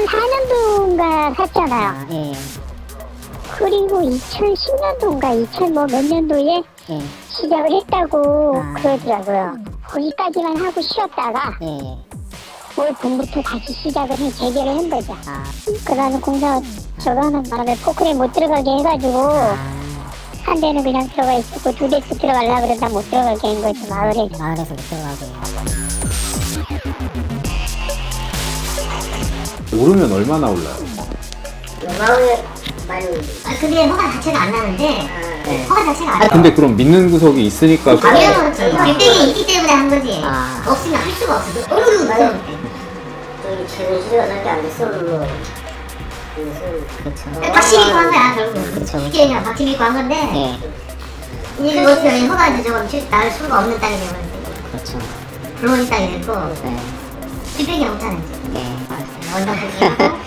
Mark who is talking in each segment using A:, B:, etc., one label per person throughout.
A: 2004년도인가 샀잖아요.
B: 아, 예.
A: 그리고 2010년도인가 2000 뭐 몇 년도에
B: 예.
A: 시작을 했다고
B: 아.
A: 그러더라고요. 거기까지만 하고 쉬었다가
B: 예.
A: 올 봄부터 다시 시작을 해 재개를 한 거죠.
B: 아.
A: 그러는 공사 저거 하는 바람에 포크레 못 들어가게 해가지고 한 대는 그냥 들어가 있었고 두 대씩 들어가려고 그러다 못 들어가게 한 거죠. 마을에.
B: 마을에서 못 들어가게.
C: 오르면 얼마나 올라요?
D: 마을에 많이.
E: 근데 허가 자체가 안 나는데 허가 자체가 안 나.
C: 근데 그럼 믿는 구석이 있으니까
E: 당연히 빌딩이 있기 때문에 한 거지.
B: 아.
E: 없으면 할 수가 없어. 어느 정도
D: 저기 최근 시간 한게 안 됐어.
B: 그렇죠.
E: 박치 믿고 한 거야 결국.
B: 그쵸.
E: 쉽게 그냥 박치 믿고 한 건데
B: 예.
E: 이게 어떻게 허가 이제 저건 나올 수가 없는 땅이 되면
B: 그렇죠.
E: 불온이 땅이 됐고
B: 네.
E: 뒷배기 못하는 지
B: 예.
E: 원당 배기하고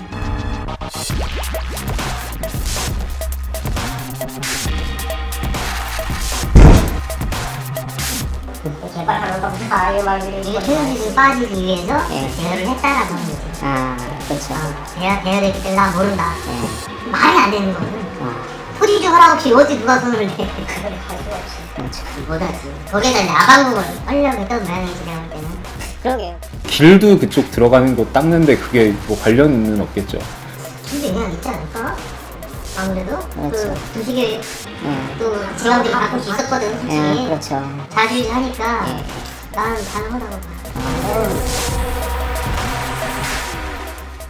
D: 개발하는 거 다 말들이
E: 최현실을 빠지기 위해서
B: 예.
E: 대여를 했다라고 하는 거지.
B: 아, 그렇죠.
E: 대여됐기 때문에 나 모른다.
B: 예.
E: 말이 안 되는 거거든.
B: 아,
E: 토지주 허락 없이 어디 누가 손을 대.
B: 그렇죠.
E: 못하지. 거기에다 이제 아방궁을 하려고 했던 모양이지 내가 볼 때는.
B: 그러게요.
C: 길도 그쪽 들어가는 거 닦는데 그게 뭐 관련은 없겠죠.
E: 근데 그냥 있지 않을까? 아무래도
B: 그렇죠.
E: 그 두식에
B: 예.
E: 또 지방들이 가끔씩 있었거든
B: 예,
E: 솔직히
B: 그렇죠.
E: 자주하니까
B: 예.
E: 나는 가능하다고 봐.
B: 아,